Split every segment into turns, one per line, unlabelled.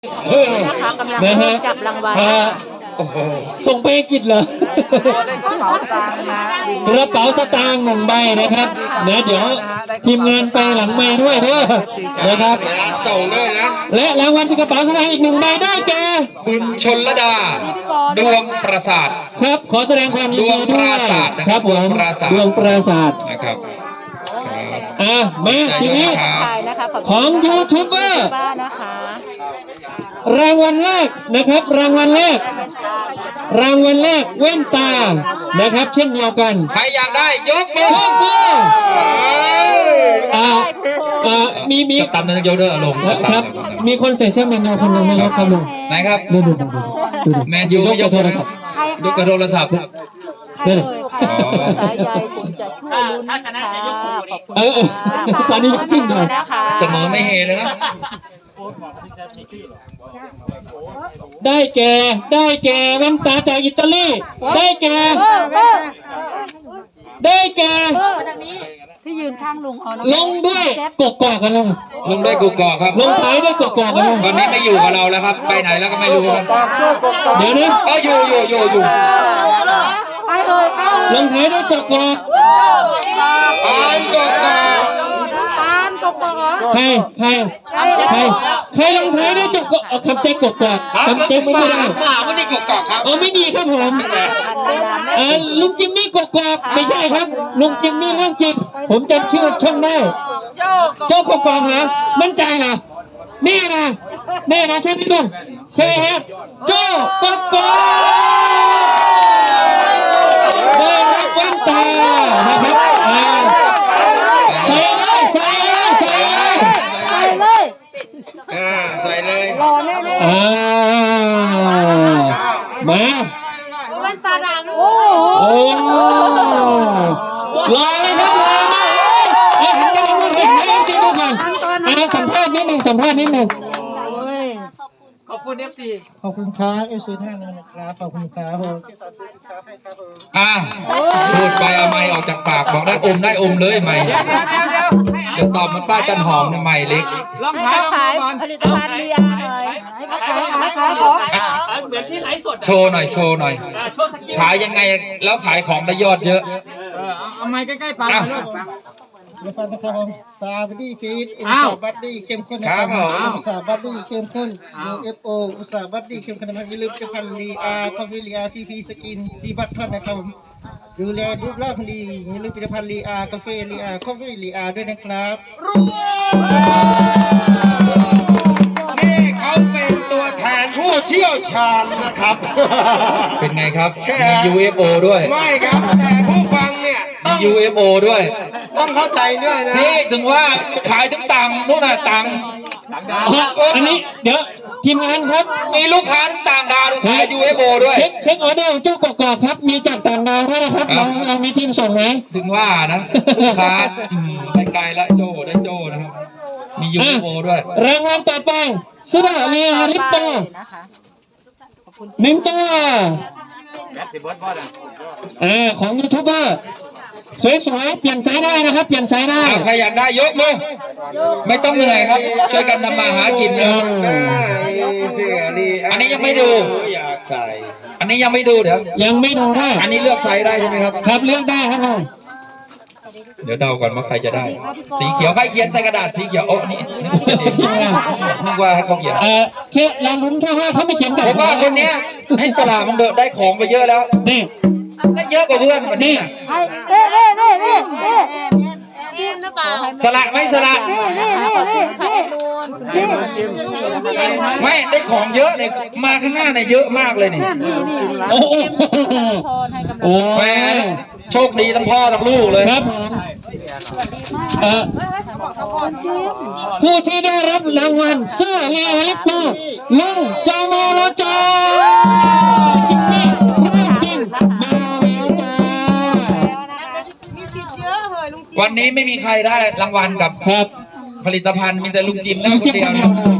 นะคะกำลังเริ่มจับรางวัล
ส่งไปอังกฤษเหรอ กระเป๋าสตางค์1 ใบนะครับนะเดี๋ยวทีมงานไปหลังไม้ด้วยเด้อนะครับ
ส่งด้วยนะ
และรางวัลที่กระเป๋าสตางค์อีก1 ใบได้แก่
คุณชลดาดวงประสาท
ครับขอแสดงความยินดีด้วยครับผมดวงประสาท
นะครับ
มาทีนี้ของยูทูบเบอร์รางวัลแรกนะครับรางวัลแรกแว่นตานะครับเช่นเดียวกัน
ใครอยากได้ยกมือ
มี
ตามนึงยกเด้อลง
ครับมีคนใส่เสื้อแมนยูคนหนึ่งไม่ยกครับลุง
ไหนครับ
ดู
แมนยูยกโทรศัพท์ยกกระโทรศัพท์
สายใยผมจะช่วยลุ้นถ้าชนะจะยกสูง
ตอนนี้ยกขึ้นเลย
เสมอไม่เฮเลยนะ
ได้แก่แว่นตาจากอิตาลีได้แก่
ที่ยืนข้างลุงเอา
ลงด้วยกกอกกัน
ลงด้วยกกอกครับ
ลงท้ายด้วยกกอกกัน
ตอนนี้ไม่อยู่กับเราแล้วครับไปไหนแล้วก็ไม่รู้ครับ
เดี๋ยวนะ
อยู่
ลงท้ายด้วยกกอกใครลงท้ายด้วยกกอกคำใจกกอกคำใจไม่ได้
ไม่ได้กกอกครับ
ไม่มีครับผมลุงจิมมี่กกอกไม่ใช่ครับลุงจิมมี่เรื่องจริงผมจำชื่อช่องได้โจ้กกอกเหรอมั่นใจเหรอแน่นะใช่ไหมลุงใช่ไหมฮะโจ้กกอกได้รับแว่นตานะครับใส่
เลย
รอแน่
มา
วันซาดาม
รอเลยครับหันไปดูกันให้ซีดูก่อนสัมภาษณ์นิดหนึ่ง
ขอบคุณ FC
ขอบคุณครับFC ท่านนะครับขอบคุณครับผมที่สั่งซื้อสินค้าให้ครับผม
พูดไปเอาไม้ออกจากปากบอกได้อมเลยไม้เดี๋ยวตอบมันป้าจันหอมเนี่ยไม้เล็ก
ลองขายผลิตภัณฑ์เรียนหน่อยขาย
เหมือนที่ไลฟ์สด
โชว์หน่อยขายยังไงแล้วขายของได้ยอดเยอะ
เอาไม้ใกล้ๆปาก
นะครับผมซาบัดดี้ฟีดอุตสาหบัดดี้เข้มข้นนะครับอุตสาหบัดดี้เข้มข้น UFO อุตสาหบัดดี้เข้มข้นนะครับอย่าลืมผลิตภัณฑ์ลีอาร์คอฟฟี่ลีอาร์พีสกินซีบัตทอนนะครับผมดูแลรูปร่างดีอย่าลืมผลิตภัณฑ์ลีอาร์กาแฟลีอาร์คอฟฟี่ลีอาร์ด้วยนะครับ
นี่เขาเป็นตัวแทนผู้เชี่ยวชาญนะครับเป็นไงครับมี UFO ด้วย
ไม่ครับแต่ผู้ฟังเนี่ย
ต้อง UFO ด้วย
ต้องเข้าใจด้วยนะ
นี่ถึงว่าขายถึงตังนู่นน่ะตัง
อันนี้เดี๋ยวทีมงานครับ
มีลูกค้าต่างดาวขาย UFO ด้วย
เช็คออเดอร์เจ้ากกอกครับมีจากต่างดาวด้วยนะครับเรามีทีมส่งไหม
ถึงว่านะลูกค้าไกลละโจ้ได้โจ้นะครับมี UFO ด้วย
รางวัลต่อไปเสื้อเรียริปโป1 ตัวของยูทูบเบอร์สวยๆเปลี่ยนไซส์ได้นะครับเปลี่ยนไซส์ได้
ใครอยากได้ยกมือไม่ต้องเหนื่อยครับช่วยกันทำมาหากินนะอันนี้ยังไม่ดู
อยากใส่
อันนี้ยังไม่ดูเดี๋ยว
ยังไม่ดูได้
อันนี้เลือกไซส์ได้ใช่ไหมครับ
ครับเลือกได้ครับผม
เดี๋ยวเดาก่อนว่าใครจะได้สีเขียวใครเขียนใส่กระดาษสีเขียวโอ้นี่นึกว่าให้เขาเขียน
แค่เราลุ้นแค่ว่าเขาไม่เขียนแต่
ผมว่าคนนี้ให้สลามันเดินได้ของไปเยอะแล้ว
นี่
ได้เยอะกว่าเพื่อนวันนี้สละไม่สละไม่ได้ของเยอะเนี่ยมาข้างหน้าเนี่ยเยอะมากเลยนี่
โอ้
แม่โชคดีทั้งพ่อทั้งลูกเลย
ครับผู้ที่ได้รับรางวัลเสื้อเรียลิปโปลุงจอมรจจริงนี่เรื่องจริงมาแล้วจ้า
วันนี้ไม่มีใครได้รางวัลกับผลิตภัณฑ์มีแต่ลุงจิมได้คนเดียว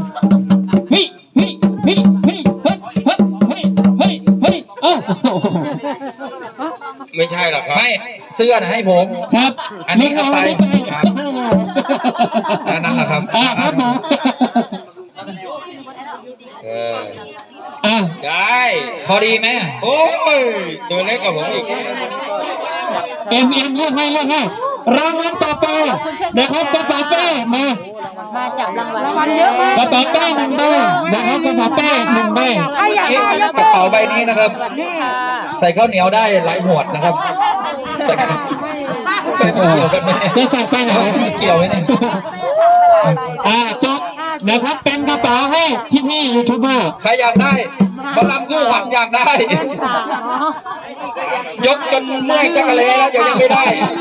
ไม่ใช่หรอกครับ
ไม่เสื้อนะให้ผม
ครับ
อันนี้เอาไปนั่นแหละครับ
ครับผมอ่ะ
ได้
พอดีไหม
โอ้ยตัวเล็กกว่าผมอีก
เอ็มเลือกให้รางวัลต่อไปนะครับกระเป๋าเป้มา
มาจับรางวัลเยอะมาก
กระเป๋าเป้1 ใบนะครับกระเป๋าเป้1 ใบ
กระเป๋าใบนี้นะครับ ใส่ข้าวเหนียวได้หลายหมวดนะครับใส่เกี่ยวกันไหม
จะใส่ไปไหน
เกี่ยวไหมเนี่ย
จบนะครับเป็นกระเป๋าให้พี่ยูทูบเบอร์
ใครอยากได้บอลลัมคู่ขวัญอยากได้ ยกจนเมื่อยจักรเลแล้วยังไม่ได้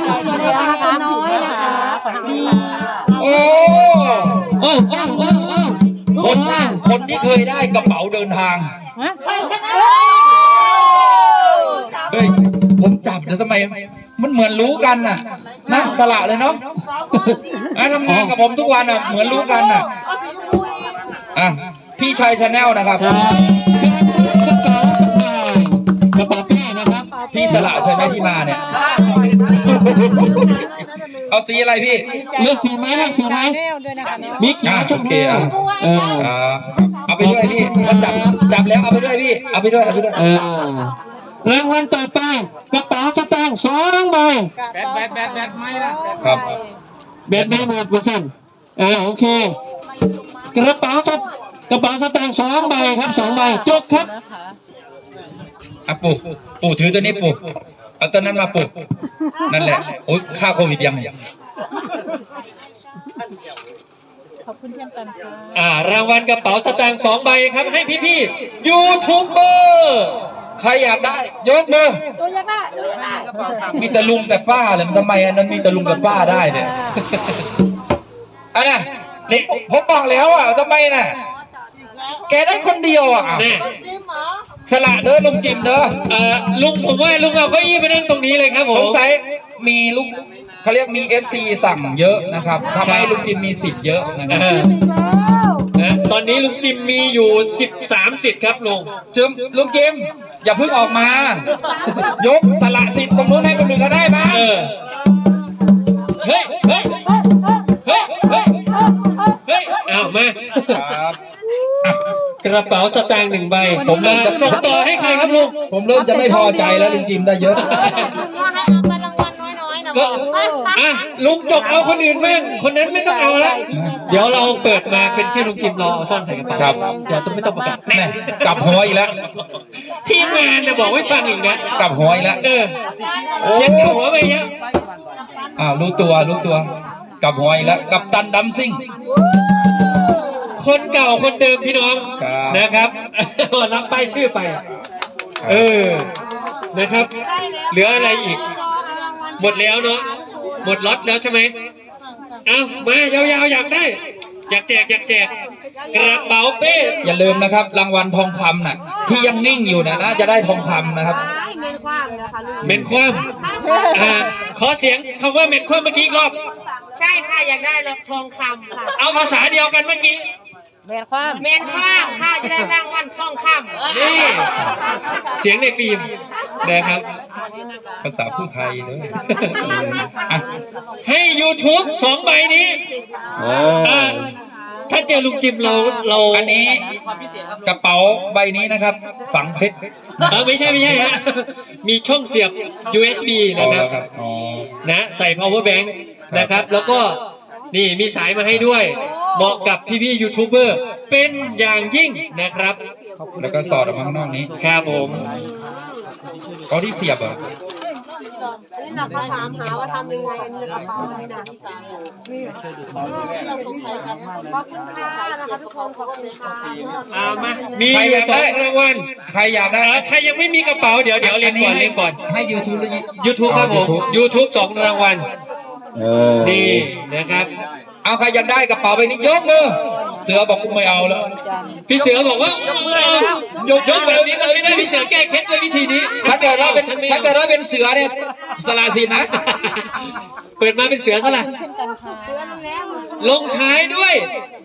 โอ้คนที่เคยได้กระเป๋าเดินทางเฮ้ยผมจับแต่ทำไมมันเหมือนรู้กันน่ะนะสละเลยเนาะทำงานกับผมทุกวันอ่ะเหมือนรู้กันน่ะพี่ชัยชาแนลนะครับ
กระเป๋าเป้นะครับ
พี่สละใช่ไหมที่มาเนี่ย เอาสีอะไรพี่
เลือกสีไหมมีเขียวชมพู
เอาไปด้วยพี่เขาจับแล้วเอาไปด้วยพี่เอาไปด้วย
รางวัลต่อไปกระเป๋าสตางค์2 ใบ
แบตไม่ละ
ครับ
แบตไม่หมดเปอร์เซ็นต์โอเคกระเป๋าสตางค์2 ใบครับ2 ใบจบครับ
ปู่ถือตัวนี้ปู่เอาตัวนั้นมาปู่นั่นแหละโอ้ยค่าโควิดยัง
ขอบคุณเช่นกันค่ะ
รางวัลกระเป๋าสตางค์2 ใบครับให้พี่ยูทูบเบอร์ใครอยากได้ยกมือ
ตัวอยากได้
มีแต่ลุงแต่ป้าเลยมันทำไมอันนั้นมีแต่ลุงแต่ป้าได้เนี่ยน่ะผมบอกแล้วทำไมน่ะแกได้คนเดียวสละเด้อลุงจิมเด้อ
ลุงผมว่าลุงเอาเก้าอี้ไปนั่งตรงนี้เลยครับผม
สงสัยมีลูกเขาเรียกมี FC สั่งเยอะนะครับทำให้ลุงจิมมีสิทธิ์เยอะนะครับ
ตอนนี้ลุงจิมมีอยู่13 สิทธิ์ครับลุง
จิมอย่าเพิ่งออกมายกสละสิทธิ์ตรงนู้นให้คนอื่นก็ได้บ้าง
เฮ้ยเอามา
ก
ระเป๋าสตางค์1 ใบผมจะส่งต่อให้ใครครับลุง
ผมเริ่มจะไม่พอใจแล้วลุงจิมได้เยอะ
ลุงจกเอาคนอื่นบ้างคนนั้นไม่ต้องเอาแล้วเดี๋ยวเราเปิดมาเป็นชื่อลุงจิมเราเอาซ่อนใส่กระเป๋า
ครับ
เดี๋ยวต้องไม่ต้องประกาศ
กลับหัวอีกแล้ว
ทีมงานจะบอกให้ฟังอีกนะ
กลับหัวอีกแล้ว
เช็ดหัวไปเยอะ
รู้ตัวกลับหัวอีกแล้วกับตันดัมซิ่ง
คนเก่าคนเดิมพี่น้องนะครับรับป้ายชื่อไปนะครับเหลืออะไรอีกหมดแล้วเนาะหมดล็อตแล้วใช่ไหมมายาวๆอยากได้อยากแจกกระเป๋าเป้
อย่าลืมนะครับรางวัลทองคำน่ะที่ยังนิ่งอยู่น่าจะได้ทองคำนะครับ
เมนคว่ำขอเสียงคำว่าเมนคว่ำเมื่อกี้อีกรอบ
ใช่ค่ะอยากได้ทองคำค่ะ
เอาภาษาเดียวกันเมื่อกี้
เมนคว่ำค่ะจะได้รางวัลทองคำ
นี่เสียงในฟิล์มนะครับ
ภาษาผู้ไทยด้วย
ให้ YouTube 2 ใบนี้ถ้าเจอลุงจิมเรา
อันนี้กระเป๋าใบนี้นะครับฝังเพชร
ไม่ใช่ฮะมีช่องเสียบ USB นะครับนะใส่ power bank นะครับแล้วก็นี่มีสายมาให้ด้วยเหมาะกับพี่ยูทูบเบอร์เป็นอย่างยิ่งนะครับ
แล้วก็สอดออกมาข้างนอกนี้
ครับผม
เขาที่เสียบ
นี่เราถามหาว่าทำยังไงในกระเป๋านี่นะนี่เราสงสัยกันขอบคุณค่ะนะคะทุกคนขอบคุณค่ะ
มามี2 รางวัล
ใครอยากได้
ใครยังไม่มีกระเป๋าเดี๋ยวเรียนก่อน
ให้ YouTube
ครับผม YouTube 2 รางวัลนี่นะครับ
เอาใครอยากได้กระเป๋าใบนี้ยกมือเสือบอกกูไม่เอาแล้ว
พี่เสือบอกว่ายกแบบนี้เลยไม่ได้พี่เสือแก้เคล็ดด้วยวิธีนี้
ถ้าเกิดว่าเป็นเสือเนี่ยสละสิทธิ์นะ
เปิดมาเป็นเสือสละลงท้ายด้วย